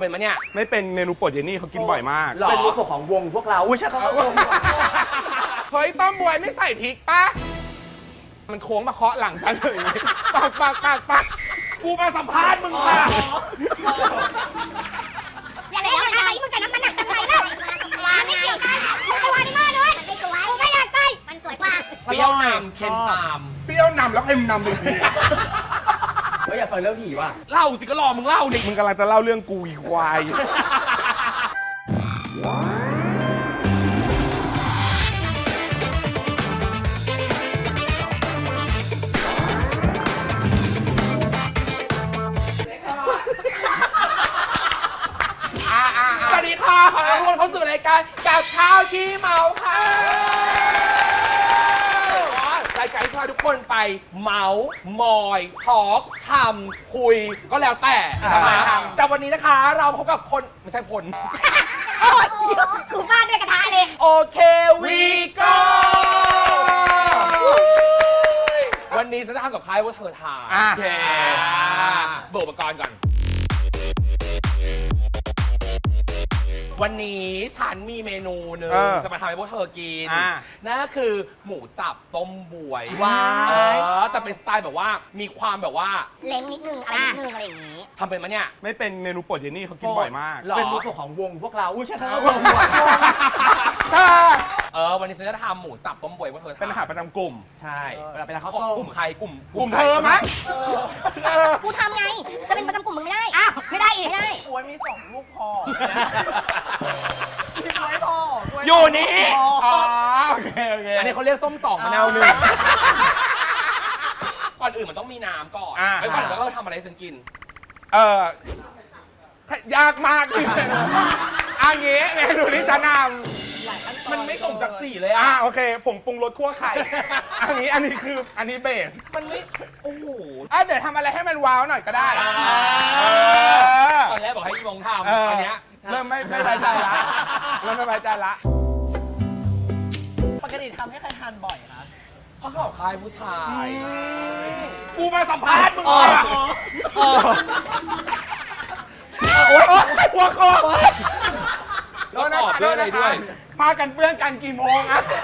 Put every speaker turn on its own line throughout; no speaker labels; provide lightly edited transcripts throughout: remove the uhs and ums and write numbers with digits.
เป็นมั้ยเนี่ย
ไม่เป็นเมนูโปรดเยนนี่เขากินบ่อยมาก
เป็นเมนูโปรดของวงพวกเราอุ้ยใช่เขาวง
เฮ้ยต้มบวยไม่ใส่พริกปะมันโค้งมาเคาะหลังฉันเลยปัก
กูมาสัมภาษณ์มึงค่ะ
อย่าเลยมันอะไรมึงกับน้ำมันหนักทำไมล่ะวางไม่เกี่ยวกันมึงไปวางในหม้อด้วยมันไม่สวยกูไม่อยากใกล้มันสวยกว่า
เปรี้ยวนำเค็มตาม
เปรี้ยวนำแล้วเค็มนำเลยพี่
ไม่อยากฟังเรื่องผีว่ะ
เล่าสิก็รอมึงเล่าดิ
มึงกำลังจะเล่าเรื่องกูอีควาย
สวัสดีค่ะขอต้อนรับทุกคนเข้าสู่รายการกับข้าวชี้เมาค่ะรายการที่พาทุกคนไปเมาส์มอยทอล์กทำคุยก็แล้วแต่แต่วันนี้นะคะเราพบกับคนไม่ใช่คน
โอ้ยกูฟาดด้วยกระทะเลย
โอเควีโก้วันนี้ฉันจะทำกับใครว่าเธอทาน
โอเค
เบิกอุปกรณ์ก่อนวันนี้ฉันมีเมนูหนึ่งจะมาทำให้พวกเธอกินนั่นก็คือหมูสับต้มบวย
ว้าว
แต่เป็นสไตล์แบบว่ามีความแบบว่า
เล้งนิดนึงอะไรนิดนึงอะไรอย่างนี้
ทำเป็นมั้ยเนี่ย
ไม่เป็นเมนูโปรดเยนนี่เขากินบ่อยมาก
เป็นเมนูโปรดของวงพวกเราอุ้ยใช่เขาวง
วันนี้ฉันจะทำหมูสับต้มบวยพวกเธอ
เป็นอาหารประจำกลุ่ม
ใช่
เวลาเป็นข้าวต้ม
กลุ่มใครกลุ่ม
เธอมั้ย
กูทำไงจะเป็นประจำกลุ่มมึงไม่ได้อ้าวไม่ได้อีกไม่ได้
กล้วยมี2 ลูกพอพี่กล้วยพอ
อยู่นี่
โอเค
อันนี้เขาเรียกส้ม2มะนาว1ก่อนอื่นมันต้องมีน้ำก่อนไอ้ก่อนแล้วก็ทำอะไรให้ฉันกิน
ยากมากเลยอันนี้เมนูที่จะน
ำมันไม่สมศักดิ์ศรีเลย
โอเคผงปรุงรสคั่วไข่อันนี้เบส
มันไม่โอ้โห
เดี๋ยวทำอะไรให้มันว้าวหน่อยก็ได้
ตอนแรกบอกให้อีมงทำอันเนี้ย
เริ่มไม่ไว้ใจละ
ปกติทำให้ใครทานบ่อยคะ
ชอบใครผู้ชายกูมาสัมภาษณ์มึง
โอ๊ยหัวคอ
แล้วตอบด้วยอะไรด้วย
พากันเปื้อนกันกี่โมง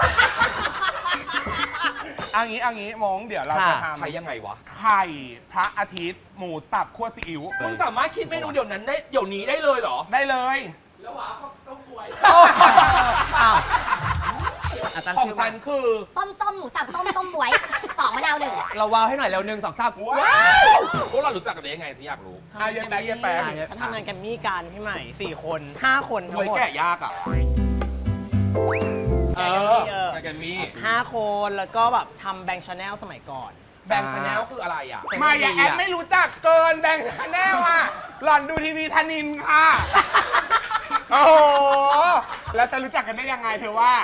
อันนี้มงเดี๋ยวเราจะทำ
ใช้ยังไงวะ
ไข่พระอาทิตย์หมูสับคั่วซีอิ๊ว
มึงสามารถคิดเมนูเดี๋ยวนั้นได้เดี๋ยวนี้ได้เลยเหรอ
ได้เลย
แล้วหวานต้มบวยของฉันคือ
ต้มหมูสับต้มบวย2 มะนาว 1
เราว้าวให้หน่อยแล้ว1 2 3
ว้าว
พวกเรารู้จักกันได้ยังไงสิอยากรู้
เย็นแป๊บ
ฉันทำงานแกมมี่กันพี่ใหม่4 คน5 คนทั้งหมด
แกะยากแกมมี่
5 คนแล้วก็แบบทำแบงค์ชาแนลสมัยก่อน
แบงค์ชาแนลคืออะไร
มาอย่าแอดไม่รู้จักเกินแบงค์ชาแนลหล่อนดูทีวีธนินค่ะโอ้โหแล้วจะรู้จักกันได้ยังไงเธอว่า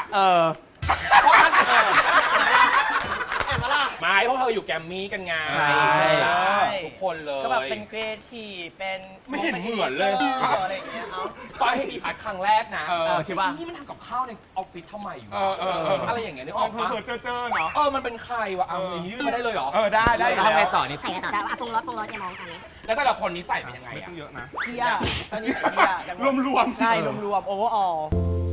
ไม่เพราะเธออยู่แกมมี่กันไงทุกคนเลย
ก็แบบเป็นครีเอทีฟเป็น
ไม่เห็นเหมือนเลย
อะไรอย่างเงี้ย
ตอนให้อีพัดครั้งแรกนะ
คิดว่า
นี่มันทำกับข้าวในออฟฟิศทำไมอยู่อะไรอย่างเงี้ยนึกออกปะ
เจอเนาะ
มันเป็นใครวะอย่างนี้ยื่นมาได้เลยเหรอ
ได้
ทำไงต่อนี่
ใส่กันต่อแล้วปรุงรสจะมองกันนี้
แล้วแต่ละคนนี้ใส่เป็นยังไง
เยอะนะ
เที่ยตอนนี้เที่ย
รวม
ใช่รวมโอเวอร์ออล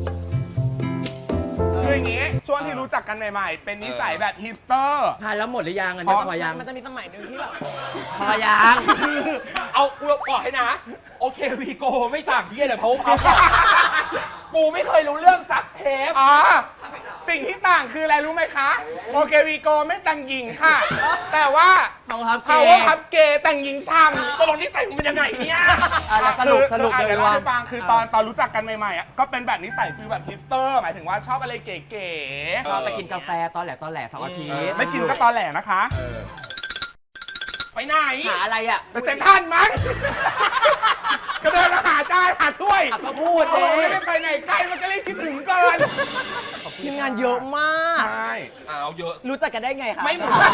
คืออย่างงี้ช่วงที่รู้จักกันใหม่ๆเป็นนิสัยแบบฮิปสเตอร์
ทานแล้วหมดหรือยังอันนี้พอยังมันจะมีสมัยนึงที่แบบพอยัง
เอากูบอกให้นะโอเควีโกไม่ต่างที่เลยเพราะว่ากูไม่เคยรู้เรื่องสักเทป
สิ่งที่ต่างคืออะไรรู้ไหมคะโอเควีโกไม่แต่งหญิงค่ะแต่ว่าPower Cup Gayแต่งหญิงช่ำ
ตกลงนิสัยมึงเป็นยังไงเนี่ย
สรุป
เลยว่าฟังคือตอนรู้จักกันใหม่ๆก็เป็นแบบนิสัยฟีลแบบฮิปสเตอร์หมายถึงว่าชอบอะไรเก๋
ๆชอบไปกินกาแฟตอนแหล2 อาทิตย์
ไม่กินก็ตอนแหลนะคะ
ไปไหน
หาอะไร
ไปเซ็นทรัลมั้งก็เดินมาหาจานหาถ้วย
ก็พูด
ไม่ได้ไปไหนไกลมันก็เลยคิดถึงเกิน
ทีมงานเยอะมาก
ใช่
เยอะ
รู้จักกันได้ไงคะ
ไม่เหมือน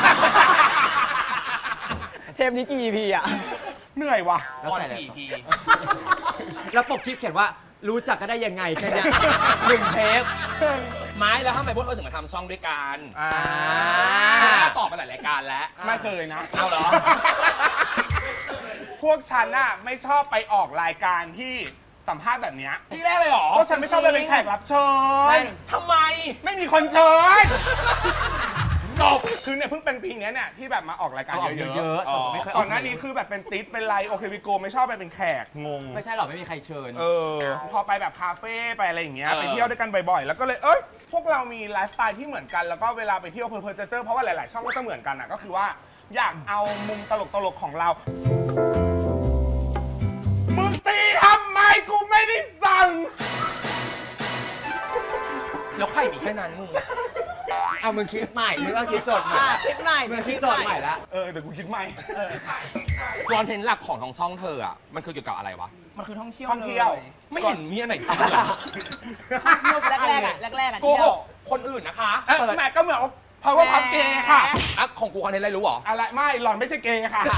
เทปนี้กี่ EP
เหนื่อยว่ะ
แล้วใส่4 EP
แล้วปกคลิปเขียนว่ารู้จักกันได้ยังไงแค่นี้1 เทป
ไม้แล้วทำไมพวกเธอถึงมาทำช่องด้วยกันตอบมาหลายรายการแล้ว
ไม่เคยนะ
เอาเหรอ
พวกฉันน่ะไม่ชอบไปออกรายการที่สัมภาษณ์แบบเนี้ย
ที่แรกเลยเหรอ
พวกฉันไม่ชอบไปเป็นแขกรับเชิญ
ทำไม
ไม่มีคนเชิญจบคือเนี่ยเพิ่งเป็นปีเนี้ยเนี่ยที่แบบมาออกรายการเยอะ
เยอะๆ
อ๋อ
ไม่เคย
ก่อนหน้านี้คือแบบเป็นติ๊ดเป็นไลโอเควิโกไม่ชอบไปเป็นแขกงง
ไม่ใช่หรอกไม่มีใครเชิญ
พอไปแบบคาเฟ่ไปอะไรอย่างเงี้ย
เออ
ไปเที่ยวด้วยกันบ่อยๆ แล้วก็เลยพวกเรามีไลฟ์สไตล์ที่เหมือนกันแล้วก็เวลาไปเที่ยวเพลินๆจะเจอเพราะว่าหลายๆช่องก็จะเหมือนกันอ่ะก็คือว่าอยากเอามุมตลกๆของเรามึงตีทำไมกูไม่ได้สั่ง
แล้วใครมีแค่นั้นมึง
เอามึงคิดใหม่มึงต้องคิดโจทย์ใหม่
คิดใหม่
มึงคิดโจทย์ใหม่ละ
เดี๋ยวกูคิดใหม่
คอนเทนต์หลักของทางช่องเธออ่ะมันคือเกี่ยวกับอะไรวะ
มันคือท่องเที่ยว
ท่องเที่ยว
ล
ไม่เห็นมีอันไหนทำเลย
ท่องเที่ยวแรกๆอ่ะแรกๆอ่ะ
โก
เที่
ห
ยว
กคนอื่นนะคะ
แม่ก็เหมือน power pub เกย์ค่ะ
อ่ะของกูคอนเทนต์อะไรรู้เหรอ
อะไรไม่หล่อนไม่ใช่เกย์ค่ะ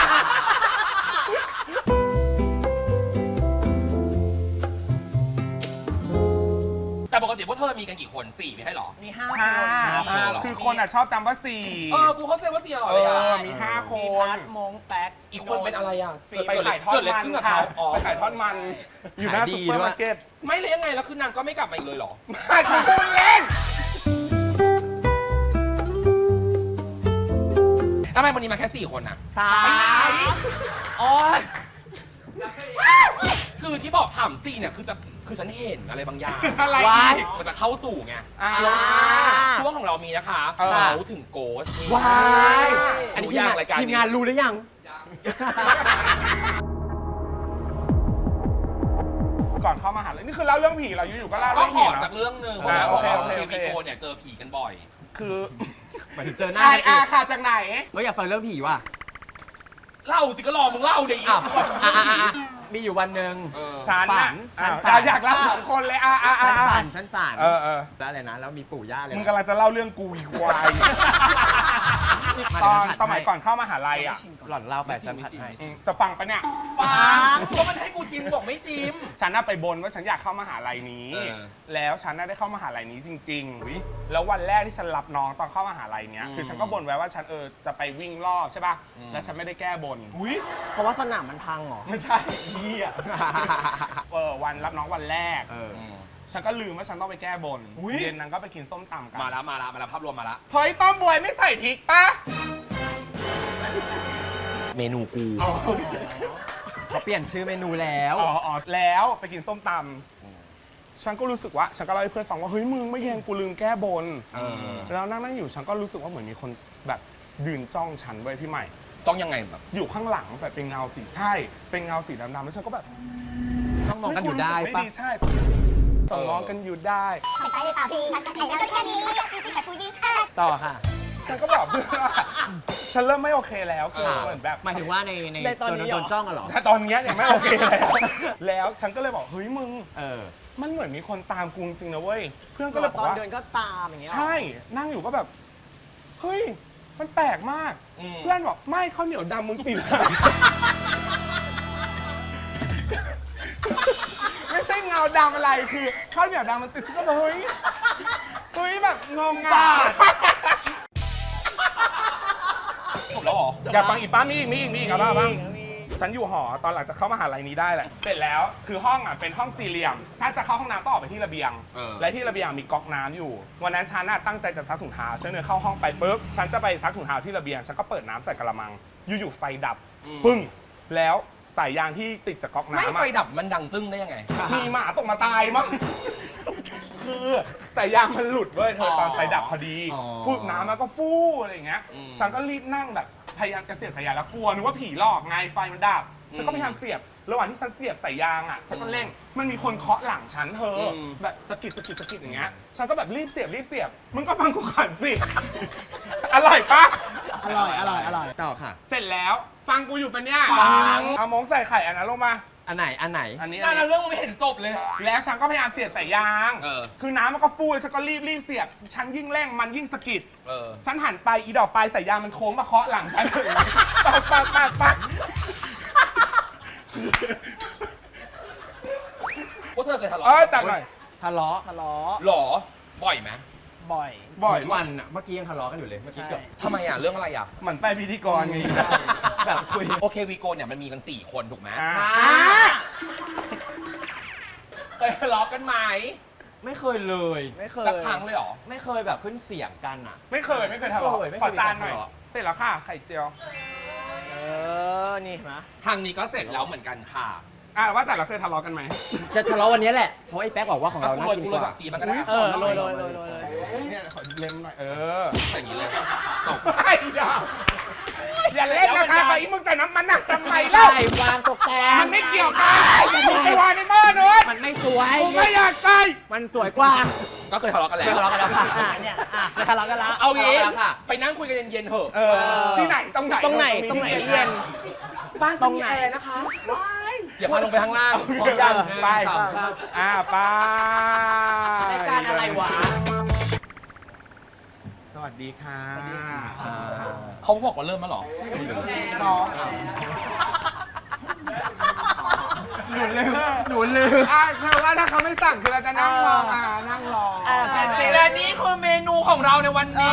แต่ปกติพวกเธอมีกันกี่คน4ไม่ใช่เหรอ
มี5
ห้า
คน
คือคนอ่ะชอบจำว่าสี่
กูเข้าใจว่า4เหรอเลยอ่ะ
มี5 ค
มี
น
พัดมงแป๊ก
อีกคนเป็นอะไรอ่ะ
ไปขายทอด
เกิดอะไร
มัน
ขึ้นกับ
ค่ะ
เขาอ๋อ
ไปขายทอดมัน อยู่หน้าซุปเปอร์มาร์เก็ต
ไม่เลยยังไงแล้วคือนางก็ไม่กลับมาอีกเลยเหรอ
คือพูดเล่น
ทำไมวันนี้มาแค่4คนนะ
3
โอ๊ย
คือที่บอกถาม4เนี่ยคือฉันเห็นอะไรบางอย่าง
อะไร
ว้าย
อีก
มันจะเข้าสู่ไง
ช่วง
ช่วงของเรามีนะคะ
เออ
เขาถึงโกส
ว้าย
อันนี้ยากรายการนี้
ทีมงานรู้หรือยัง
ก่อนเข้ามหาลัยนี่คือเล่าเรื่องผีเราอยู่ๆก็เล่า
ก็
เรื่อง
ข
ผี
อ
นะ
สักเรื่องหนึ่ง
โอเค
ทีวีโกเนี่ยเจอผีกันบ่อย
คือ
หมายถึงเจอหน้า
ไอ
กัน
อา
อีก
ค่ะจากไหน
ก็อยากฟังเรื่องผีว่ะ
เล่าสิก็รอมึงเล่าดิ
อ้าวมีอยู่วันหนึ่ง
ฉัน
ฝั
น่ะ
น
อ่ะ
ฉันฝัน
อยากเล่าสองคนเลย
ฉันฝันฉันฝัน
เออ
แล้วอะไรนะ แล้วมีปู่ย่าเลย
มึง
นะ
กำลังจะเล่าเรื่องกูอีควาย ตอนสมัยก่อนเข้ามหาลัยอ่ะ
หล่อนเล่าไปฉันผัดให้
จะฟังปะเนี่ย
ฟังก็มันให้กูชิมบอกไม่ชิม
ฉันน่ะไปบนว่าฉันอยากเข้ามหาลัยนี้
เออ
แล้วฉันน่ะได้เข้ามหาลัยนี้จริงๆแล้ววันแรกที่ฉันรับน้องตอนเข้ามหาลัยเนี้ยคือฉันก็บนไว้ว่าฉันจะไปวิ่งรอบใช่ป่ะแล้วฉันไม่ได้แก้บน
เพราะว่าสนามมันพังเหรอ
ไม่ใช่เหี้ยวันรับน้องวันแรก ฉันก็ลืมว่าฉันต้องไปแก้บน เย็นนั้นก็ไปกินส้มตำกัน
มาแล้วภาพรวมมาแล้ว
เฮ้ยต้มบวยไม่ใส่พริกปะ
เมนูกู
เขาเปลี่ยนชื่อเมนูแล้ว
อ๋อแล้วไปกินส้มตำฉันก็รู้สึกว่าฉันก็เล่าให้เพื่อนฟังว่าเฮ้ยมึงไม่แยงกูลืมแก้บนแล้วนั่งอยู่ฉันก็รู้สึกว่าเหมือนมีคนแบบยืนจ้องฉันไว้พี่ใหม่
ต้องยังไงแบบ
อยู่ข้างหลังแบบเป็นเงาสีใช่เป็นเงาสีดำๆแล้วฉันก็แบบ
ต้องมองกันอยู่ได้
เฮ้กูรู้สึก
ปะ
ไม่ดีใช่ต้องมองกันอยู่ได้
ไปเลยป่าพี่ไอ้แล้วก็แค่นี้พี่กับชูยืน
ต่อค่ะ
ฉันก็บอกเพื่อนว่าฉันเริ่มไม่โอเคแล้วคือเหมือนแบบ
หมายถึงว่าใน
ในตอนนี้เหรอ
โดนจ้องกันเหรอ
แต่ตอนเนี้ยเนี่ยไม่โอเคแล้ว แล้วฉันก็เลยบอกเฮ้ยมึง
อ
มันเหมือนมีคนตามกูจริงๆนะเว้ยเพื่อนก็เลยบอ
ต
ก
อน
ว่า
เดินก็ตามอย่างเงี้ย
ใช่นั่งอยู่ก็แบบเฮ้ยมันแปลกมาก เพื่อนบอกไม่ข้าวเหนียวดำมึงติด ไม่ใช่เงาดำอะไรคือข้าวเหนียวดำมันติดฉันก็แบบเฮ้ยแบบงงอ่ะ
จบแล้วเหรอ
อยากฟังอีกป้ามีอีกครับบ้างฉันอยู่หอตอนหลังจากเข้ามหาลัยนี้ได้แหละเสร็จแล้วคือห้องอ่ะเป็นห้องสี่เหลี่ยม ถ้าจะเข้าห้องน้ำต้องออกไปที่ระเบียง และที่ระเบียงมีก๊อกน้ำอยู่วันนั้นฉันน่ะตั้งใจจะซักถุงเท้าฉันเดินเข้าห้องไปปุ๊บฉันจะไปซักถุงเท้าที่ระเบียงฉันก็เปิดน้ำใส่กระมังอยู่ๆไฟดับปึ้งแล้วสายยางที่ติดจากก๊อก
ไม่
น้ำ
ไฟ
อะ
ดับมันดังตึ้งได้ยังไง
มีหมาตกมาตายมั้งคือสายยางมันหลุดเว้ยเธอตอนไฟดับพอดีฟูน้ำมันก็ฟู่อะไรอย่างเงี้ยฉันก็รีบนั่งแบบพยายามจะเสียบสายยางแล้วกลัวนึกว่าผีหลอกไงไฟมันดับฉันก็พยายามเสียบระหว่างที่ฉันเสียบสายยางอ่ะฉันก็เร่งมันมีคนเคาะหลังฉันเธอแบบสะกิดอย่างเงี้ยฉันก็แบบรีบเสียบมึงก็ฟังกูก่อนสิ อร่อยปะ
อร่อย
ต่อค่ะ
เสร็จแล้วฟังกูอยู่ปะเนี่ย
ฟัง
เอามงใส่ไข่อันนั้นลงมา
อันไหน
อันนี้
นั่นนะเรื่องมึงไม่เห็นจบเลย
แล้วฉันก็พยายามเสียบสายยาง คือน้ำมันก็ฟูฉันก็รีบเสียบฉันยิ่งเร่งมันยิ่งสะกิดฉันหันไปอีดอกปลายสายยางมันโค้งมาเคาะหลังฉันปัก
พวกเธอเคยทะเลาะ
จัดหน่อย
ทะเลาะ
ทะเลาะ
หรอ บ่อยไหม
บ่อย
บ่อย
ทุกวันอ่ะ เมื่อกี้ยังทะเลาะกันอยู่เลย เมื่อกี้เกือบ
ทำไมอ่ะ เรื่องอะไรอ่ะ
เหมือนไปพิธีกรไง
แบบคุย
โอเควีโกเนี่ยมันมีกัน 4 คนถูกไหม
อ่า
เคยทะเลาะกันไหม
ไม่เคยเลย
ไม่เคย
สักครั้งเลยเหรอ
ไม่เคยแบบขึ้นเสียงกันอ่ะ
ไม่เคยทะเลาะ
ไม่เคย
ขอจานหน่อย
ทะเลาะ
เสร็จแล้วค่ะไข่เจียว
เออ นี่เห็นไหม
ทางนี้ก็เสร็จแล้วเหมือนกันค่ะ
ว่าแต่เราเคยทะเลาะกันไหม
จะทะเลาะวันนี้แหละ เพราะไอ้แป๊กบอกว่าของเราน่ากิน
กู
ก
เลย
ว่า
ผักชีมันก็ได้
เออโรยเลย
เนี่ยขอเล็มหน่อย
ใส่อย่างนี้เลยจบ
ไอ้ดาอย่าเล่นนะคะไอ้มึงใส่น้ำมันหนักทำไมเล่า
ใส่วางตกแต่ง
มันไม่เกี่ยวกันไปวางในหม้อนู้น
มันไม่สวย
กูไม่อยากใส่
มันสวยกว่า
ก็เคยทะเลาะกันแล้ว
เคยทะเลาะกันแล้วค่ะ
เนี่ยจะทะเลาะกันละ
เอางี้
ทะเลาะกันแล้วค่ะ
ไปนั่งคุยกันเย็นๆเถอะ
ที่ไหนตรงไหน
ตรงไหนเย็น
บ้าน
ต
ต
ร
รง ง
ไหน
แอร์นะคะอย่าพาลงไปข้างล่างพร้อมยัง
ไป ไป
รายการอะไรวะ
สวัสดีค่ะ
เขาบอกว่าเริ่มแล้วเหรอ
น้องหนูลืมเธอว่าถ้าเขาไม่สั่งคือเราจะนั่งรอนั่งรอ
และนี่คือเมนูของเราในวันนี้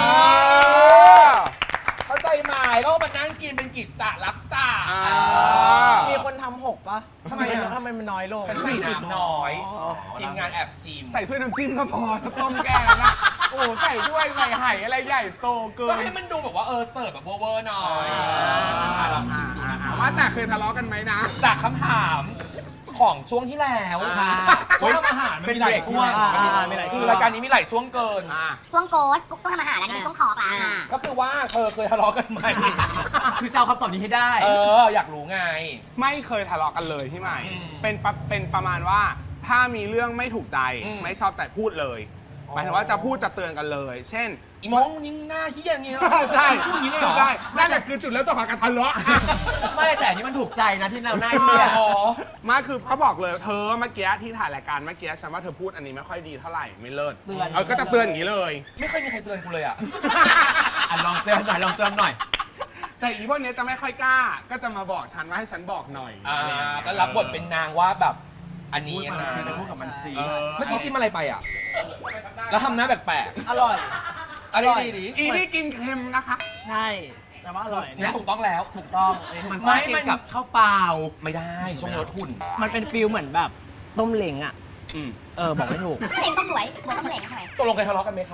เข้าใจไหมแล้วก็มานั่งกินเป็นกิจจลักษณะ
มีคนทำหกปะ
ทำไมอะ
ทำไมมันน้อยลง
ฉันใส่น้ำน้อย
อ๋อ
ทีมงานแอบชิม
ใส่ถ้วยน้ำจิ้มก็พอต้มแกงนะโอ้ใส่ถ้วยใส่ไห่อะไรใหญ่โตเกิ
ก็
น
ให้มันดูแบบว่าเสิร์ฟแบบเวอร์ๆหน่อย ลองชิมดูนะคะ
ว่าแต่เคยทะเลาะกันไหมนะ
จากคำถามของช่วงที่แล้ว
ค่ะ
ช่วงทำอาหารมันมีหลายช่วง
มีหลายช่วง
คือรายการนี้มีหลายช่วงเกิน
ช่วงโกสฟุกช่วงทำอาหารแล้วนี่ช่วงทอล์กละ
ก็คือว่าเธอเคยทะเลาะกันไหม
คือจะเอาคำตอบนี้ให้ได้
อยากรู้ไง
ไม่เคยทะเลาะกันเลยพี่ใหม่
อืม
เป็นประมาณว่าถ้ามีเรื่องไม่ถูกใจ
อืม
ไม่ชอบใจพูดเลย หมายถึงว่าจะพูดจะเตือนกันเลย เช่น
อีมองนิ่งหน้าที่อย่างนี้เหรอ
ใช่
พูดอย่างนี้เลยเหรอ
ใช่นั่นแหละคือจุดเริ่มต้นของการทะเลาะ
ไม่แต่อันนี้มันถูกใจนะที่เราหน้าเหี้ย
อ๋อ
มาคือเขาบอกเลยเธอเมื่อกี้ที่ถ่ายรายการเมื่อกี้ฉันว่าเธอพูดอันนี้ไม่ค่อยดีเท่าไหร่ไม่เลิศ
เตือน
ก็จะเตือนอย่างนี้เลย
ไม่เคยมีใครเตือนกูเลยอ่ะ
อ่ะลองเตือนหน่อยลองเตือนหน่อย
แต่อีพวกเนี้ยจะไม่ค่อยกล้า ก็จะมาบอกฉันว่าให้ฉันบอกหน่อย
ก็รับบทเป็นนางว่าแบบ อันนี้นะ
พูดกับมันสิ
เมื่อกี้ชิมอะไรไปอ่ะ แล้วทำหน้าแปลก
อร่อย
ๆอะไรดี
อีนี่กินเค็มนะคะ
ใช่ แต่ว่าอร่อย
ๆนี่ถูกต้องแล้ว
ถูกต้อง
มัน
ไม่
ไม่
มั
มัน นกับข้าวเปล่า
ไม่ได้ช่วงลดหุ่น
มันเป็นฟิลเหมือนแบบต้มเหลงอ่ะ
อืม
บอกไม่ถูก
เห็นต้มหวยบัวต้มเหลงทำไม
ตกลงเคยทะเลาะกันไหมคะ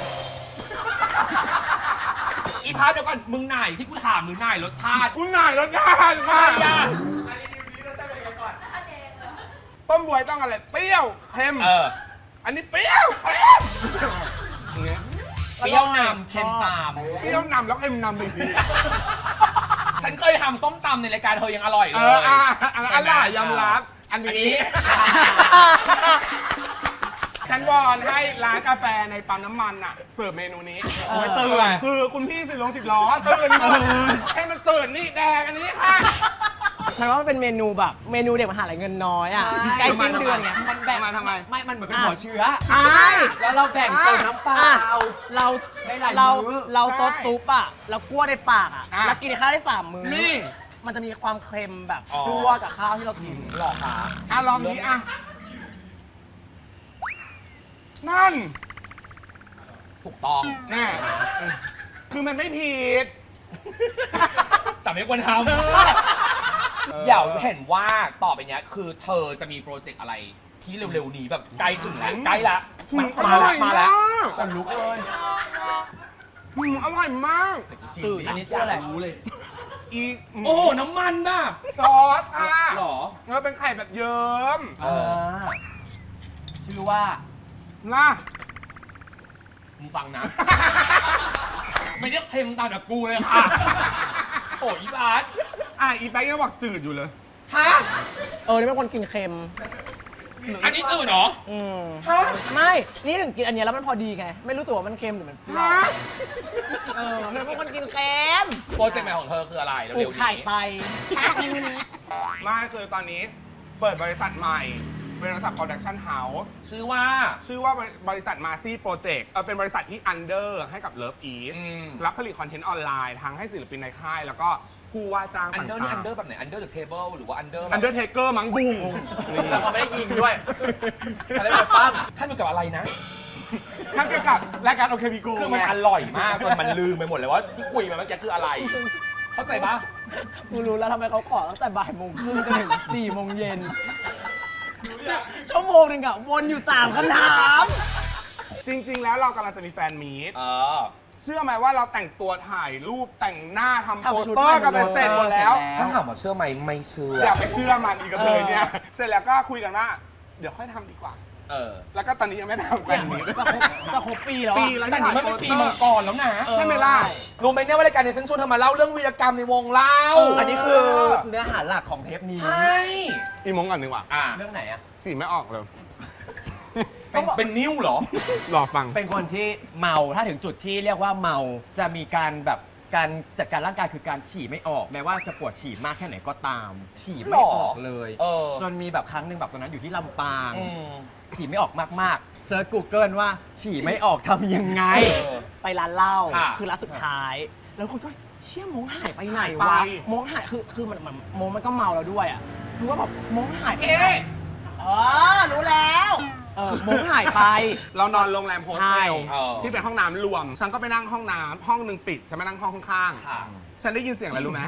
อีพาร์ทเดี๋ยวก่อน มึงไหนที่กูถามหรือไหนรสชาติ
คุณนายรสชาติ
ใคร
ค่ะ
อ่ะ
ต้มบวยต้องอะไรเปรี้ยวเค็ม อันนี้เปรี้ยวเค็มอย่างเงี้ย
เปรี้ยวนำเค็มตาม
เปรี้ยวนำแล้วเค็มนำอีกที
ฉันเคยทำส้มตำในรายการเธอยังอร่อยเลย
อร่อยยอมรับ อันนี้ ฉันวอนให้ร้านกาแฟในปั๊มน้ำมันอ่ะเสิร์ฟเมนูนี้
โอ้ย
ตื่นคือคุณพี่สิบล้อตื่นให้มันตื่นนี่แดงอันนี้ค่ะ
ฉันว่ามันเป็นเมนูแบบเมนูเด็กมหาลัยเงินน้อยอ่ะใกล้สิ้นเดือนไง
มันแบ่ง
ทำไม
ไม่มันเหมือนเป็นหัวเชื้อ แล้วเราแบ่งเติมน้ำเปล่า
เรา
ได้หลาย
เรา
มื้อ
เราซดซุปอ่ะเรากลั้วในปากอ่ะ
อ่ะ
แล้วกินข้าวได้3 มื้อ
นี่
มันจะมีความเค็มแบบ
อ๋อ
กลั้วกับข้าวที่เรากิน
หลอกขา
ลองนี้นั่น
ถูกต้อง
แน่คือมันไม่ผิด
แต่ไม่ควรทำ อย่าเห็นว่าต่อไปเนี้ยคือเธอจะมีโปรเจกต์อะไรที่เร็วๆนี้แบบใกล้ถึงแล้วใกล้ละมันมาแล้ว
คนลุกเลย
อร่อยมาก
ตื่นอันนี้ชื่ออะไร
รู้เลย
อี
โอ้ น้ำมันป่ะ
ซอสค่ะ
หรอ
เป็นไข่แบบเยิ้ม
ชื่อว่า
นะ
มึงฟังนะ ไม่ได้เค็มตามแบบกูเลยค่ะ โอ้ยบาส
อีแป๊กยังบอกจืดอยู่เลย
ฮะ
นี่เป็นคนกินเค็ม
อันนี้ตื่นเหรอ
อืม
ฮะ
ไม่ นี่ถึงกินอันเนี้ยแล้วมันพอดีไง ไม่รู้ตัวว่ามันเค็มหรือมันเปรี้ยวเธอเป็นคนกินเค็ม
โปรเจกต์ใหม่ของเธอคืออะไร
ปลู
เร็
ก
วๆ
ไข่
นี้
ไต
เมนูนี้
ไม่คือตอนนี้เปิดบริษัทใหม่ เป็นบริษัท Production House
ชื่อว่า
ชื่อว่าบริษัทมาซี่โปรเจกต์เป็นบริษัทที่ under ให้กับ Love Eat รับผลิตคอนเทนต์ออนไลน์ทั้งให้ศิลปินในค่าย แล้วก็ผู้ว่าจ้าง
อันเดอร์นี่
ต่า
อั
ง
นเดอร์แบบไหน อันเดอร์เดอะเทเบิลหรือว่าอันเดอร์
ๆ Undertaker มั้งบุ้ง
แล้วเขาไม่ได้ยิงด้วย
อะไรแบบปั้มท่านอยู่กับอะไรนะ
ทั้งเกี่ยวกับรายการโอเควีโก
คือมันอร่อยมากจนมันลืมไปหมดเลยว่าที่คุยมาเมื่อกี้คืออะไร เข้าใจปะ
กูรู้แล้วทำไมเขาขอตั้งแต่บ่ายโมงครึ่งจนถึง4 โมงเย็นชั่วโมงหนึ่งอะวนอยู่3 คำถาม
จริง ๆ แล้วเรากำลังจะมีแฟนมีต
อ
เชื่อไหมว่าเราแต่งตัวถ่ายรูปแต่งหน้าทำ
ทำ
โปส
ชุด
เตอร์กันไปเสร็จหมดแล้ว
ถ้าถามว่าเชื่อไหมไม่เชื่อ
อย่าไปเชื่อมันอีกกระเทยเนี่ย เสร็จแล้วก็คุยกันว่า เดี๋ยวค่อยทำดีกว่า แล้วก็ตอนนี้ยังไม่ได้ทำแฟนมีต
จะครบปีแล้วอะ
ปีแล้ว
แต่นี่มันเป็นปีมังกรแล้วนะ
ใช่ไหมล่ะ
รู้ไหมเนี่ยว่ารายการในฉันชวนเธอมาเล่าเรื่องวีรกรรมในวงเล่า
อันนี้คือเนื้อหาหลักของเทปนี้
ใช่
อีมงก่อนดีกว่า
เรื่องไหนอะ
สีไม่ออกเลย
เป็นนิ้วเหรอ
รอฟัง
เป็นคนที่เมาถ้าถึงจุดที่เรียกว่าเมาจะมีการแบบการจัดการร่างกายคือการฉี่ไม่ออกแม้ว่าจะปวดฉี่มากแค่ไหนก็ตาม ฉี่ไม่ออกเลย จนมีแบบครั้งหนึ่งแบบตอนนั้นอยู่ที่ลำปาง ฉี่ไม่ออกมากๆเซิร์ช Google ว่าฉี่ไม่ออกทำยังไง
ไปร้านเหล้า
ค่ะ
คือร้านสุดท้าย แล้วคนก็เชี่ยมงหายไปไหน
หายไป
วะมงหายคือมันมงมันก็เมาแล้วด้วยอ่ะรู้ว่าแบบมงหายไปไหนรู้แล้วมงหายไป
เรานอนโรงแรมโฮส
ใช่
เทลที่เป็นห้องน้ำรวม ฉันก็ไปนั่งห้องน้ำห้องหนึ่งปิด ฉันไปนั่งห้องข้างๆ ฉันได้ยินเสียงอะไรรู้ไหม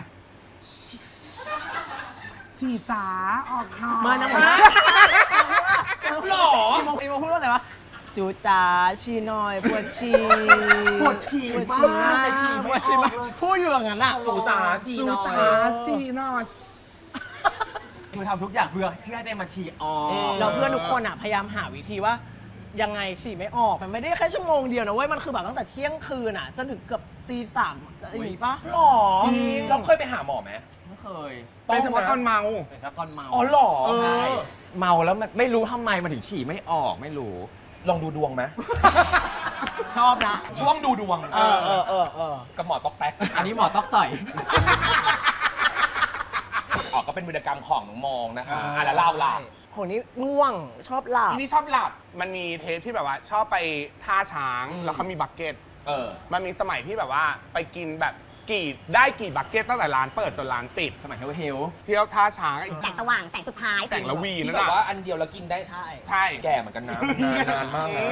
ฉี่จ๋าออกค่ะ
มานะ
หรอ
อีโมพูดว่าอะไรวะจูจ๋าชีหน่อยปวดฉี่
ปวดฉี่
ปวดฉี่
มาก
แต่ฉี่ปวดฉี่มากพูดอยู่อย่างนั้นอ่ะ
จูจ๋าฉี่หน่อย
จ๋าฉี่หน่อย
คือทำทุกอย่างเพื่อให้ได้มาฉี่ออก
แล้วเพื่อนทุกคนอ่ะพยายามหาวิธีว่ายังไงฉี่ไม่ออกมันไม่ได้แค่ชั่วโมงเดียวนะเว้ยมันคือแบบตั้งแต่เที่ยงคืนอ่ะจนถึงเกือบตีสามอย่างนี้ปะ
หรอ
จริง
เราเคยไปหาหมอไหม
ไม่เคย
เป็นเฉพาะตอนเมา
เป็นครับตอนเมา
อ๋อหรอ
เออ
ใช่เมาแล้วไม่รู้ทำไมมันถึงฉี่ไม่ออกไม่รู้
ลองดูดวงไหม
ชอบนะ
ช่วงดูดวง
เออ
กับหมอตอกแต๊ก
อันนี้หมอต๊อกต่อย
ออกก็เป็นวีรกรรมของน้องมองนะคะแล้วเล่าล่ะ
คนนี้ง่วงชอบหลับ
ทีนี้ชอบหลับ มันมีเทปที่แบบว่าชอบไปท่าช้าง แล้วเขามีบักเก็ต มันมีสมัยที่แบบว่าไปกินแบบกี่บักเก็ตตั้งแต่ร้านเปิดจนร้านปิด
สมัยเฮลเฮล
เที่ยวท่าช้างอีก
แสงสว่างแสงสุดท้าย
แต่งละวี
ที่
นั่น
แบบ
น่ะ
ว่าอันเดียวแล้วกินได้
ใช่
ใช่
แก่เหมือนกันนะนานมากนะ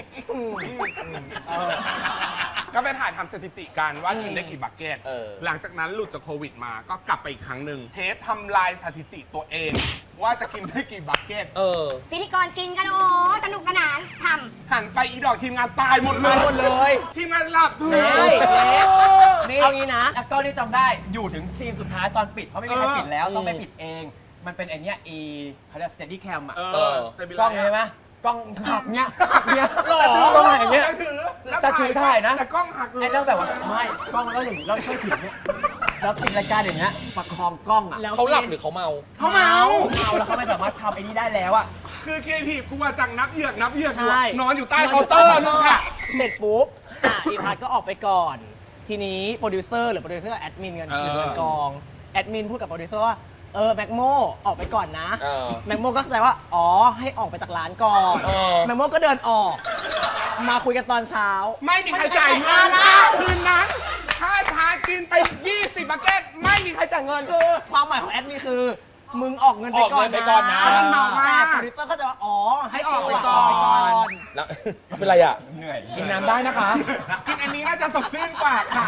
ก็ไปถ่ายทำสถิติกันว่ากินได้กี่บักเก็ต
เออ
หลังจากนั้นหลุดจากโควิดมาก็กลับไปอีกครั้งหนึ่งเทปทำลายสถิติตัวเอง ว่าจะกินได้กี่บักเก็ต
พิธีกรกินกันโอ้สนุกสนานฉ่ำ
หันไปอีดอกทีมงานตายหมดเลย
ตายหมดเลย
ทีมงานหลับทุก
เฮ้ย
นี่เอางี้นะแล้วก็นี่จำได้อยู่ถึงซีนสุดท้ายตอนปิดเพราะไม่มีใครปิดแล้วต้องไปปิดเอง มันเป็นไอเนี้ยเขาเรียก steady cam อ่ะ
แต่เป็น
กล้อง
ไร
ใช่ไหมกล้องหักเนี้ยเนี้ย
หรอ
กล้องหักอย่างเงี้ย
แต่ถือแล้ว
แต่ถือถ่ายนะ
แต่กล้องหักเลย
ไอ้เรื่องแบบว่าไม่กล้องแล้วอย่างนี้เราช่วยถือเนี้ยแล้วปิดรายการอย่างเงี้ยประคองกล้องอ่ะ
แล้ว
เขาหลับหรือเขาเมา
เขาเมา
เมาแล้วเขาไม่สามารถทำไอ้นี้ได้แล้วอ่ะ
คือครีเอทีฟกูว่าจังนับเหยือกอยู่
ใช่
อะนอนอยู่ใต้เคาน์เตอร์นู่นค่ะ
เสร็จปุ๊บอีพัทก็ออกไปก่อน ทีนี้โปรดิวเซอร์หรือโปรดิวเซอร์แอดมินกันอยู่บนกองแอดมินพูดกับโปรดิวเซอร์ว่าแม็กโมออกไปก่อนนะ แม็กโมก็เข้าใจว่าอ๋อให้ออกไปจากร้านก่อนแม็กโมก็เดินออก มาคุยกันตอนเช้า
ไม่มีใครจ่ายเงินนะคืนนั้นถ้าชากินไป 20บักเก็ตไม่มีใครจ่ายเงิน
คือความหมายของแอดมินคือ มึงออกเงินไปก่อน
ออกเงินไปก่อนนะ
มันเมามาก
แต่โปรดิวเซอร์เข้าใจว่าอ๋อให้ออกไป
ให้
ก่
ออกไปก่อน
อน
แล้ว เป็นไรอ่ะ
เหนื่อย
กินน้ำได้นะคะ
กินอันนี้น่าจะสดชื่นกว่าค่ะ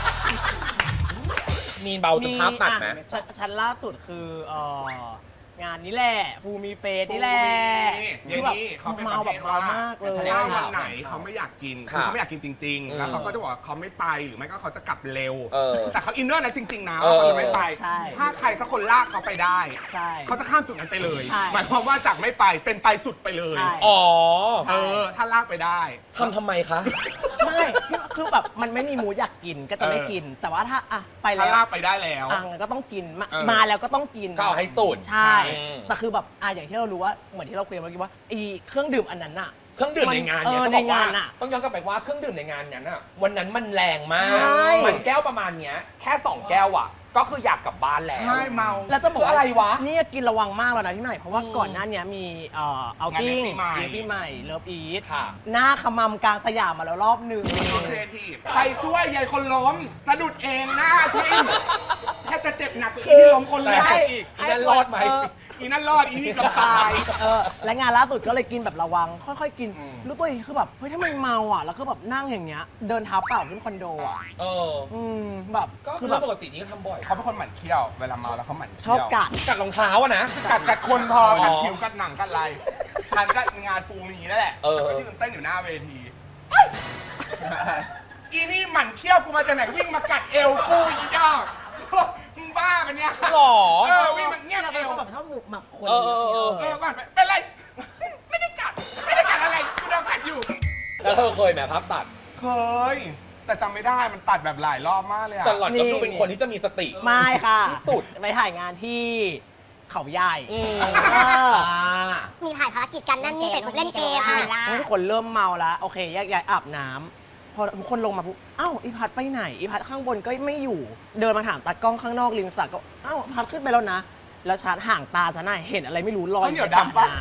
มีนเบาจนภาพตัดไหม
ชั้นล่าสุดคืองานนี้แหละฟูมีเฟสนี่แหละ
อย่างนี้เขาเป็นประเภทว่า
เมากเลย
ถ้าวันไหนเขาไม่อยากกิน
ค่ะ
คือเขาไม่อยากกินจริง ๆ แล้วเขาก็จะบอกว่าเขาไม่ไปหรือไม่ก็เขาจะกลับเร็ว แต่เขาอินเนอร์นะจริง ๆ นะว่าเขาจะไม่ไป
ใช่
ถ้าใครสักคนลากเขาไปได้
ใช่
เขาจะข้ามจุดนั้นไปเลย
ใช่
หมายความว่าจากไม่ไปเป็นไปสุดไปเลย
ใช่
อ๋อ
ถ้าลากไปได้
ทำไมคะ
ไม่คือแบบมันไม่มีมูดอยากกินก็จะไม่กิน แต่ว่าถ้าไป
ถ้า
แล้ว
ลากไปได้แล้ว
งั้นก็ต้องกินมา
เออ
มาแล้วก็ต้องกิน
ก็เอาให้สุด
ใช่
อืม
แต่คือแบบอย่างที่เรารู้ว่าเหมือนที่เราคุยกันเมื่อกี้ว่าไอ้เครื่องดื่มอันนั้นอะ
เครื่องดื่มในงานเนี่ย
เออ
จะบอกว่า
ในงานอะ
ต้องย้อนกลับไปว่าเครื่องดื่มในงานนั้นอะวันนั้นมันแรงมาก
ใช่
เหมือนแก้วประมาณเนี้ยแค่2แก้วอะก็คืออยากกลับบ้านแล้ว
ใช่เมา
แล้วจะบอก
คืออะไรวะ
นี่กินระวังมากแล้วนะพี่ใหม่เพราะว่าก่อนหน้านี้มีเอาติ้ง
งานเลี้ยงปีใหม่
เลิฟอีท
ค่ะ
หน้าขมำกลางสยามมาแล้วรอบหนึ่ง
ครีเอทีฟใครช่วยยายคนล้มสะดุดเองหน้าทิ้งแทบจะเจ็บหนักกว่าที่ล้มคนแรกอีก
ไอ้นั่นรอดไหม
อีนั่นรอดอีนี่เกับตาย
และงานล่าสุดก็เลยกินแบบระวัง ค่อยๆกิน
อืม
รู้ตัวอีกทีคือแบบเฮ้ยถ้ามันเมาอ่ะแล้วก็แบบนั่งอย่างเงี้ยเดินเท้าเปล่าขึ้นคอนโดอ่ะ
เออ
แบบ
ก็
คื
คือ อ
แบบ
ปกตินี้ก็ทำบ่อย
เขาเป็นคนหมั่นเคี้ยวเวลาเมาแล้วเขาหมั่น
ชอบ
เคี้ยว
กัด
กัดรองเท้าอะนะ
กัดคนพอ
อ๋อ
กัดผิวกัดหนังกัดอะไรฉันก็งานฟูมีนั่นแหละ
เออ
ก็ยืนเต้นอยู่หน้าเวทีอีนี่หมั่นเคี้ยวกูมาจากไหนวิ่งมากัดเอวกูอีดอกมึงบ้าปะเนี่ย
หรอ
วิ่งมาเงียบ
เรา
เอ
เป็น
ว
คนแบบชอบหนุกหมักคน
เออ
ก่อนเป็นไรไม่ได้กัดอะไรกูโดนกัดอยู่
แล้วเธอเคยไหมภาพตัด
เคย แต่จำไม่ได้มันตัดแบบหลายรอบมากเลยอะ
แต่หล่อนก็ดูเป็นคนที่จะมีสติ
ไม่ค่ะ
ที่สุด
ไปถ่ายงานที่เขาใหญ่
อืม
เออ
มีถ่ายภารกิจกันนั่นนี่แต่เล่นเกมอ่ะ
ทุกคนเริ่มเมาแล้วโอเคแยกย้ายอาบน้ำพอทุกคนลงมาปุ๊บอ้าวอีพัดไปไหนอีพัดข้างบนก็ไม่อยู่ เดินมาถามตากล้องข้างนอกริมสระก็อ้าวพัดขึ้นไปแล้วนะ แล้วชาร์จห่างตาฉันน่ะเห็นอะไรไม่รู้ลอย
ข้าวเหนียวดำปะ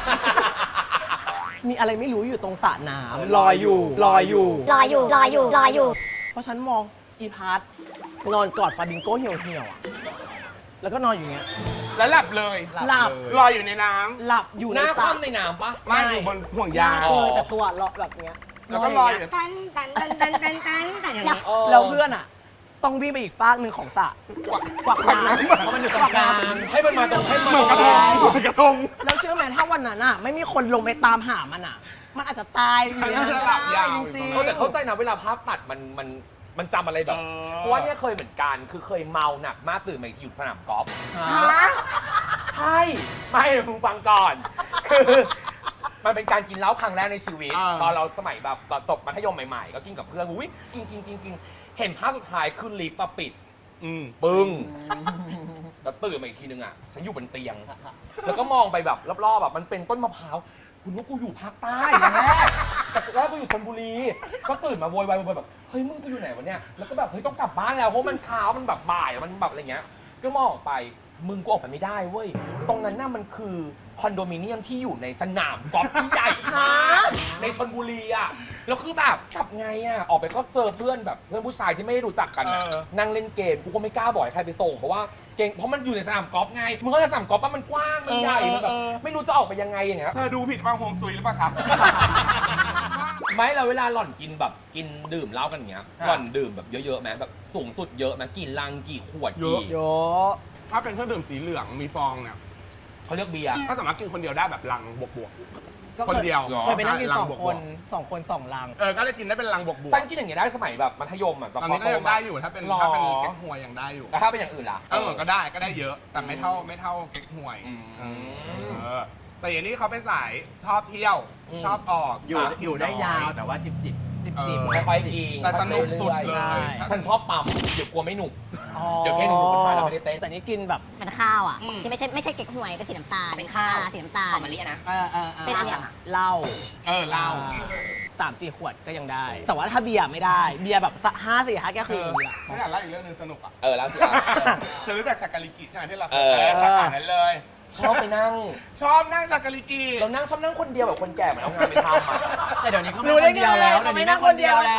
มีอะไรไม่รู้อยู่ตรงสระน้ำลอยอยู่
รออยู่
เพราะฉันมองอีพัดนอนกอดฟาบิงโก้เหี่ยวๆอ่ะแล้วก็นอนอยู่อย่างเงี้ย
แล้วหลับเลย
หลับ
ลอยอยู่ในน้
หลับอยู่
ห
ใน
น้า
สระ
คว่ำในน้ำปะ
ำไม่อยู่บนห่วงยาง
เลยแต่ตัวเลาะแบบเนี้ย
แล้วก็ลอยอยู่
ตันอย่างเงี้ย
แล้วเพื่อนอ่ะ ต้องวิ่งไปอีกฟากหนึ่งของสระกวักน้ำ
เพราะมันอยู่ตรงกลาง
ให้มันมาตรงให้มัน
เหมือนกระทงเหมือนกระทง
แล้วเชื่อไหมถ้าวันนั้นอ่ะ ไม่มีคนลงไปตามหามันอ่ะ มันอาจจะตายอยู่ในนั้นก็
หลับ
ได้
ยาว
จ
อยู่
ริง
ตรงนั้น
แต่เข้าใจนะเวลาภาพตัดมันจำอะไรแบบ
เออ
เพราะว่าเนี่ยเคยเหมือนกัน คือเคยเมาหนักมากตื่นมาอยู่สนามกอล์ฟ ใช่ ไม่มึงฟังก่อน คือมันเป็นการกินเหล้าครั้งแรกในชีวิต ตอนเราสมัยแบบตอนจบมัธยมใหม่ๆ ก็กินกับเพื่อนอุ้ยกินเห็นภาพสุดท้ายคือลิฟต์มาปิด ปึ้งแล้วตื่นมาอีกทีนึงอ่ะฉันอยู่บนเตียง แล้วก็มองไปแบบรอบๆแบบมันเป็นต้นมะพร้าวคุณว่ากูอยู่ภาคใต้นะแม่แต่แรกกูอยู่ชลบุรี ก็ตื่นมาโวยวายแบบเฮ้ยมึงกูอยู่ไหนวะเนี่ยแล้วก็แบบเฮ้ยต้องกลับบ้านแล้วเพราะมันเช้ามันแบบบ่ายมันแบบอะไรเงี้ยก็มองออกไปมึงกูออกไปไม่ได้เว้ยตรงนั้นน่ะมันคือคอนโดมิเนียมที่อยู่ในสนามกอล์ฟที่ใหญ่มากในชลบุรีอ่ะแล้วคือแบบกลับไงอ่ะออกไปก็เจอเพื่อนแบบเพื่อนผู้ชายที่ไม่ได้รู้จักกันอะนั่งเล่นเกมกูก็ไม่กล้าบอกให้ใครไปส่งเพราะว่าเก่งเพราะมันอยู่ในสนามกอล์ฟไงมึงก็จะสนามกอล์ฟป่ะมันกว้างมันใหญ่มันแบบไม่รู้จะออกไปยังไงอย่างเงี้ย
เธอดูผิดบ้างฮวงซุยหรือเปล่าคะ
ไม่เราเวลาหล่อนกินแบบกินดื่มเหล้ากันอย่างเงี้ยหล่อนดื่มแบบเยอะๆไหมแบบสูงสุดเยอะไหมกี่ลังกี่ขวดกี่
ๆโย
ถ้าเป็นเครื่องดื่มสีเหลืองมีฟองเนี่ย
เขาเรียกเบียร์
ก็สามารถกินคนเดียวได้แบบลังบวก
ก็
คนเดียว
เคยไปนั่งกิน
ลัง
สอง
บวก
คนสองลัง
ก็เลยกินได้เป็นลังบวก
ฉันกินอย่างเงี้ยได้สมัยแบบมัธยมอ่ะแบบ
ตอนนี้ก็ยังได้อยู่ถ้าเป็น
หรอ
เก๊กฮวยยังได้อยู่
แต่ถ้าเป็นอย่างอื่นล่ะ
ก็ได้เยอะ แต่ไม่เท่าเก๊กฮวย
อืม
เออแต่อย่างนี้เขาไปนสายชอบเที่ยว
อืม
ชอบออก
อยู่ได้ยาวแต่ว่าจิบ
จิบ
ค่อยๆกิน
แต่สนุกสุดเล
รื่อย
ย
ๆฉันชอบปั๊มเดี๋ยวกลัวไม่หนุก
อ๋อ
เดี๋ยวแค่หนูขึ้นมาแล้วไม่ได้เต้น
แต่นี่กินแบบ
เป็นข้าวอ่ะที่ไม่ใช่เก๊กฮวยเป็นสีน้ำตาลเป็นข้าวสีน้ำตาล
หอมมะลิอะนะ
เป็นอันเนี้ย
เหล้า
เหล้า
3-4 ขวดก็ยังได้ แต่ว่าถ้าเบียร์ไม่ได้ เบียร์แบบ5-4-5แก้วคือ
ฉันอยากเล่าอีกเรื่องนึงสนุกอ่ะ
แล้วสิอ่ะ
เธอรู้จักชักกะลิกิใช่ไหมที่เราเค
เอย อ
ไปสาขานั้นเลย
ชอบไปนั่ง
ชอบนั่งชักกะลิกิ
เรานั่งชอบนั่งคนเดียวแบบคนแก่เหมือนเอางานไปทำอ่ะ
ๆแต่เดี๋ยวนี้เขา
รู้ได้
ไม่คนเดียวแล้ว
ไงเขาไม่นั่งคนเดียวแล้ว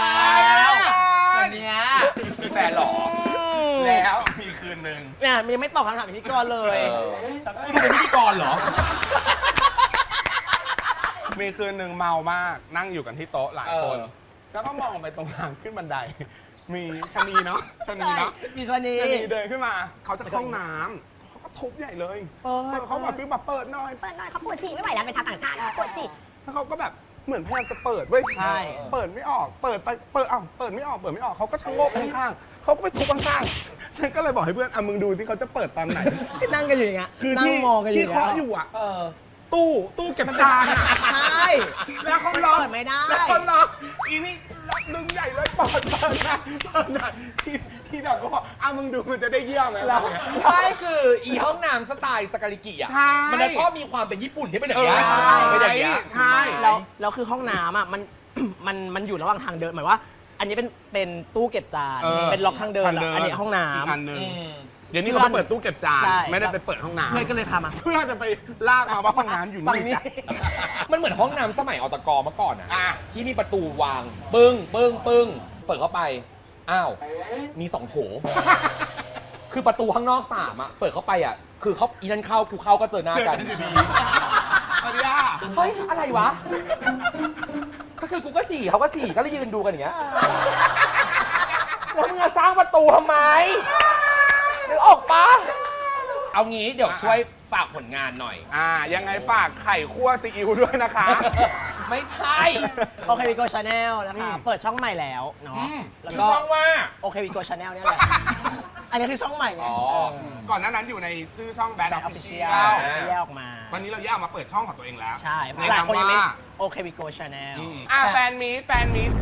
เดี๋ยวนี้
มีแฟนเหรอ
แล้วมีคืนนึง
เนี่ยมันยังไม่ตอบคำถามพิธีกรเลย
คุณเป็นพิธีกรเหรอ
มีคืนนึงเมามากนั่งอยู่กันที่โต๊ะหลายคน
เออ
แล้วก็มองไปตรงทางขึ้นบันได มีชะนีเนาะชะนีเนาะ
มีชนี
ชะนีเดินขึ้นมา เขาจะเข้าห้องน้ำเขาก็ทุบใหญ่เลย
เปิด
เขาแบบฟิลแบบเปิดหน่อย
เปิดหน่อยเขาปวดฉี่ไม่ไหวแล้วเป็นชาวต่างชาติปวดฉี่
แล้วเขาก็แบบเหมือนพยายามจะเปิดเว้ย
ใช่
เปิดไม่ออก เปิดไป เปิดเปิดไม่ออกเขาก็ชะโงกข้างๆเขาก็ไปทุบข้างๆฉันก็เลยบอกให้เพื่อนมึงดูสิเขาจะเปิดตอนไหน
นั่งกันอยู่อย่างเงี้ย
คือ
นั่ง
ที่
มองกันอยู่
ที่
อย่าง
เคาะ
เงี้ย
อยู่อ่ะตู้เก็บจานอะ
ใช่
แล้วเขาล็อก
เปิดไม่ได้
แล้วเขาล็อกอีนี่ล็อกดึงใหญ่เลยเปิดนะที่ดอกก็บอกมึงดูมันจะได้เยี่ยมไหมล่ะ
ใช่คืออีห้องน้ำสไตล์สกาลิกิอ่ะ
ใช่
มันจะชอบมีความเป็นญี่ปุ่นที่เป็นแบบเนี้ย
ใช่
เป็นอย่างเงี้ย
ใช่
แล้วคือห้องน้ำอ่ะมันอยู่ระหว่างทางเดินหมายว่า อันนี้เป็นตู้เก็บจาน เป็นล็อกทางเดินแล้วอันนี้ห้องน้
อีกอันหนึง
อืม
เดี๋ยวนี้เขาไปเปิดตู้เก็บจาน
ใช่
ไม่ได้ไปเปิดห้อง
ำ
น้ำ
เพื่อนก็เลยพามา
เพื่อจะไปลากมาว่าห้องน้ำอยู่
ฝั่ง
นี่
นี้
จ้ะ
มันเหมือนห้องน้ำสมัยอตกเมื่อก่อนอ่ะ
อ่ะ
ที่มีประตูวาง ปึ้ง เปิดเข้าไป อ้าว มี2 โถ คืคือประตูข้างนอก3อะเปิดเข้าไปอะคือเขาอีนั่นเข้ากูเข้าก็เจอหน้า
เจอ
กั
กัน นอยู่ดีอันนี้
เฮ้ยอะไรวะ ก็คือกูก็ฉี่เขาก็ฉี่ก็เลยยืนดูกันอย่างเงี้ยแล้วมึงจะสร้างประตูทำไมนึกออกปะเอางี้เดี๋ยวช่วยฝากผลงานหน่อย
ยังไงฝากไข่คั่วซีอิ๊วด้วยนะคะ
ไม่ใช่
โอเควิโกชาแนลนะคะ เปิดช่องใหม่แล้วเนาะแล้ว
ชื่
ก็
อช่องว่า
โอเควิโกชาแนลเนี่ยแหละ อันนี้คือช่องใหม่ไง
อ๋อ
ก่อนหน้านั้นอยู่ในชื่อช่องแบท
แบ
อ
บ
อ
ออ
ฟ
ฟ
ฟิ
ฟิ
เชี
เชี
ย
ย
ล
ลแยกออกมา
วันนี้เราย่ามาเปิดช่องของตัวเองแล้ว
ใช่
ใน
หลาย
นาม
คนยัง
ว่า
ไม่โอเควิโกชาแนล
แฟนมีต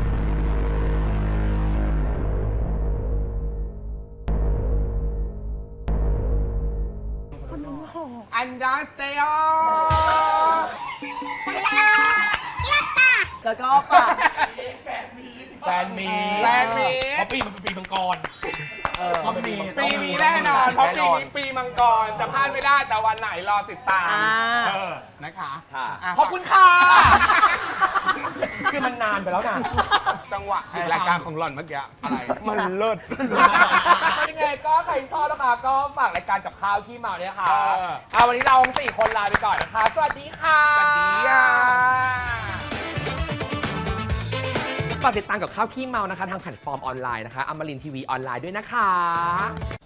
อันยาเซโอ
แล้วก็ฝาก
แฟนมี
แฟนมี
เพราะปีมันเป็นปีมังกร
ต้องมี
ปีนี้แน่นอน เพราะปีนี้ปีมังกรจะพลาดไม่ได้แต่วันไหนรอติดตาม นะคะ
ค่ะ
อ่ะ
ขอบคุณค่ะ คือมันนานไปแล้วนะ
จังหวะอีกรายการของหล่อนเมื่อกี้อะไร มันเลิศ
ยังไงก็ใครชอบนะคะก็ฝากรายการกับข้าวขี้เมาเนี่ยค่ะ
เออ
วันนี้เราทั้ง4 คนลาไปก่อนนะคะ สวัสดีค่ะ
สวัสดีค่ะ
ฝากติดตามกับข้าวขี้เมานะคะ ทางแพลตฟอร์มออนไลน์นะคะอมรินทีวีออนไลน์ด้วยนะคะ